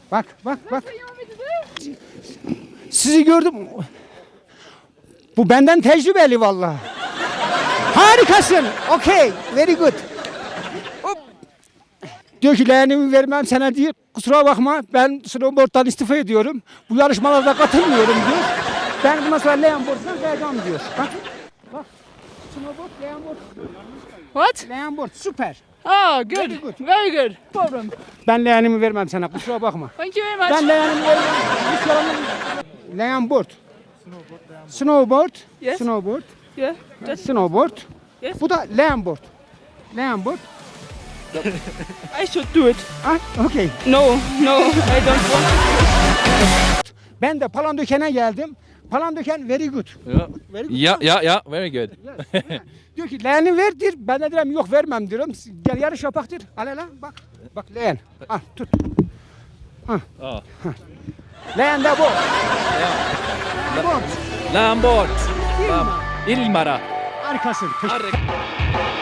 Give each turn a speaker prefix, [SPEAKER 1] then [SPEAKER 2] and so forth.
[SPEAKER 1] Bak bak bak. Sizi gördüm. Bu benden tecrübeli vallahi. Harikasın. Okay. Very good. Hop. Diyor ki leğenimi vermem sana diyor. Kusura bakma ben snowboard'dan istifa ediyorum. Bu yarışmalarda katılmıyorum diyor. Ben bundan sonra leğen board'dan vereceğim diyor. Bak. Bak. Snowboard, leğen board.
[SPEAKER 2] What?
[SPEAKER 1] Leğen board süper.
[SPEAKER 2] Oh, good.
[SPEAKER 1] Very good.
[SPEAKER 2] Very good. Problem.
[SPEAKER 1] Ben leğenimi vermem sana kusura bakma.
[SPEAKER 2] Thank you very much.
[SPEAKER 1] Ben leğenimi vermem. Hiç yalanım. Leğen board. Snowboard.
[SPEAKER 2] Yes.
[SPEAKER 1] Snowboard.
[SPEAKER 2] Yeah. Just
[SPEAKER 1] Snowboard.
[SPEAKER 2] Yes.
[SPEAKER 1] Bu da leğen board. Leğen board.
[SPEAKER 2] I should do it.
[SPEAKER 1] Ah, okay.
[SPEAKER 2] No, no, I don't want.
[SPEAKER 1] Ben de Palandöken'e geldim. Palandöken very good.
[SPEAKER 3] Yeah.
[SPEAKER 1] Very good.
[SPEAKER 3] Yeah, very good.
[SPEAKER 1] Yes. Diyor ki leğeni verdir. Ben de diyorum yok vermem diyorum. Gel yarış yapaktır. Al hele bak. Bak leğen. Al tut.
[SPEAKER 3] Oh.
[SPEAKER 1] Leğen de bu. Board.
[SPEAKER 3] Lambort.
[SPEAKER 1] Ilma.
[SPEAKER 3] Ilmara.
[SPEAKER 1] Harikasın.
[SPEAKER 3] Arre-